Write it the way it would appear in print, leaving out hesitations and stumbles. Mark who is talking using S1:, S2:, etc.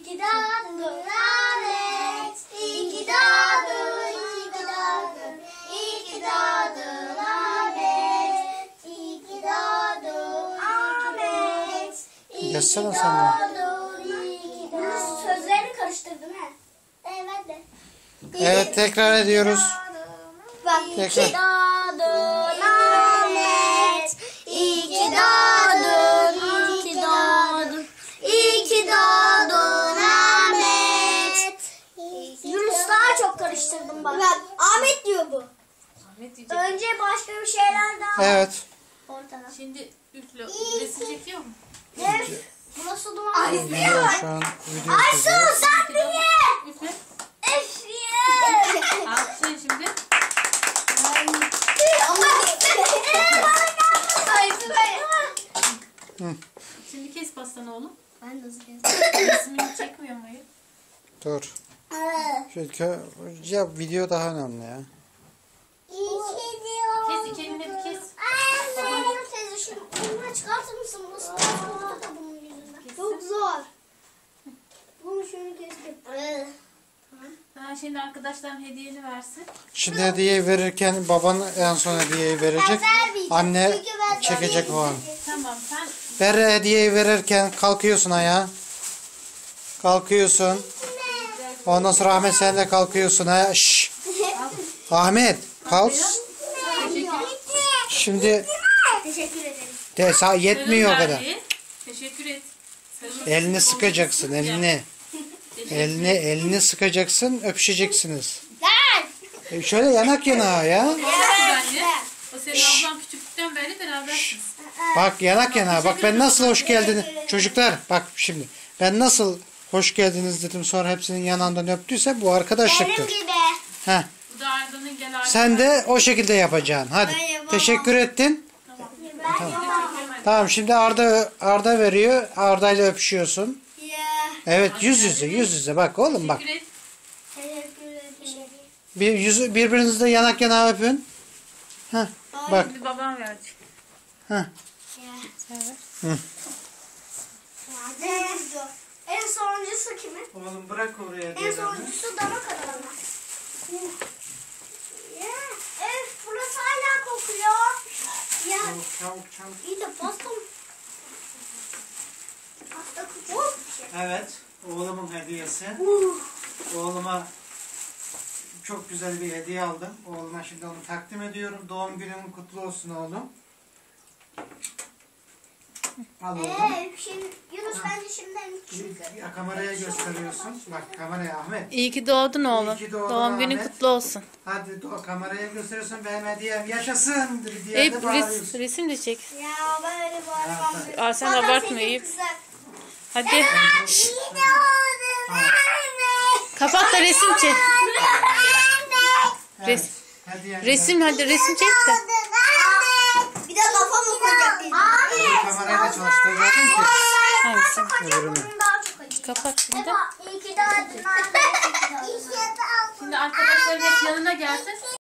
S1: ki doğdun Ahmet. İyi ki doğdun, iyi ki doğdun. İyi ki doğdun Ahmet. İyi ki doğdun Ahmet. İyi ki
S2: Yazsana sen de.
S1: doğdun, iyi ki doğdun. Sözlerini karıştırdın ha. Evet de.
S2: Evet, tekrar ediyoruz.
S1: Bak, iyi
S2: Tekrar.
S1: ki doğdun Ahmet. İyi ki doğdun, iyi ki doğdun. İyi ki doğdun Ahmet. Yunus daha çok karıştırdım bak. Ahmet diyor bu.
S3: Ahmet diyecek.
S1: Önce başka bir şeyler daha var
S2: Evet.
S1: ortada.
S3: Şimdi üfle. Resim çekiyor mu?
S1: Öf, bu nasıl duman?
S2: Video şu an video
S1: Aysu
S2: çekiyor.
S1: sen bir ye.
S3: Üfle.
S1: Öf ye.
S3: Alkışlayın şimdi. Şimdi kes pastanı oğlum.
S1: Ben de hızlı kestim.
S3: Resmini çekmiyor muyum?
S2: Dur. Çünkü ya video daha önemli ya.
S3: Kes iki elini bir kes.
S1: Teyze şunu önüme çıkartır mısın? Burası da bunun yüzünden. Çok zor. Bunu şunu kestim.
S3: Daha şimdi arkadaşların hediyeni versin.
S2: Şimdi hediyeyi verirken baban en son hediyeyi verecek. Anne çekecek o an.
S3: Tamam sen
S2: Berre hediyeyi verirken kalkıyorsun ayağa. Kalkıyorsun. Ondan sonra Ahmet sen de kalkıyorsun ayağa. Şşş. Ahmet kalk. Şimdi
S1: Teşekkür ederim.
S2: yetmiyor o
S3: Sarıl
S2: kadar.
S3: verdi. Teşekkür et. Sarıl.
S2: Elini sıkacaksın, elini. Elini sıkacaksın, öpüşeceksiniz. Şöyle yanak yana ya.
S3: Anne. O senin ablan küçüklükten beri berabersiniz.
S2: Bak yanak yana. Bak ben nasıl hoş geldiniz. Çocuklar bak şimdi. Ben nasıl hoş geldiniz dedim sonra hepsinin yanağından öptüyse bu arkadaşlıktır.
S1: Benim gibi.
S2: Heh.
S3: Bu da Arda'nın gel Arda.
S2: Sen de o şekilde yapacaksın. Hadi. Teşekkür ettin. Tamam şimdi Arda veriyor. Arda ile öpüşüyorsun. Evet yüz yüze bak oğlum bak.
S3: Teşekkür et.
S1: Teşekkür ederim.
S2: Birbirinizle yanak yana öpün. Heh. Bak.
S3: Şimdi babam verecek.
S2: Heh.
S1: En sonuncusu kimin?
S2: Oğlum bırak oraya.
S1: En sonuncusu dana kadar. Burası hala kokuyor. Ya
S2: Çabuk.
S1: iyi de pasta mı? Pasta kokuyor.
S2: Evet. Oğlumun hediyesi. Oğluma çok güzel bir hediye aldım. Oğluma şimdi onu takdim ediyorum. Doğum günün kutlu olsun oğlum. Al oğlum.
S1: Yunus bence şimdiden küçük.
S2: Ya kameraya gösteriyorsun. Bak kameraya Ahmet.
S3: İyi ki doğdun oğlum.
S2: İyi ki doğdun
S3: Doğum günün
S2: Ahmet.
S3: kutlu olsun.
S2: Hadi kameraya gösteriyorsun. Benim hediyem yaşasın diye
S3: Eyüp
S2: de bağırıyorsun.
S3: resim de çek.
S1: Ya böyle bağırmam.
S3: Aa, sen abartma Eyüp. Hadi. Şşş.
S1: İyi doğdun anne.
S3: Kapat da resim çek.
S2: Evet, hediyem
S3: Resim hadi resim çek de.
S1: Bir de kafamı koyacak dedim.
S2: de kamerayı da çalıştıracaktım ki.
S3: Hangisi?
S2: Öbürünü.
S1: Daha çok acı.
S3: Kapat şimdi.
S1: İyi ki doğdun anne. İyi ki doğdun.
S3: Şimdi arkadaşların hep yanına gelsin.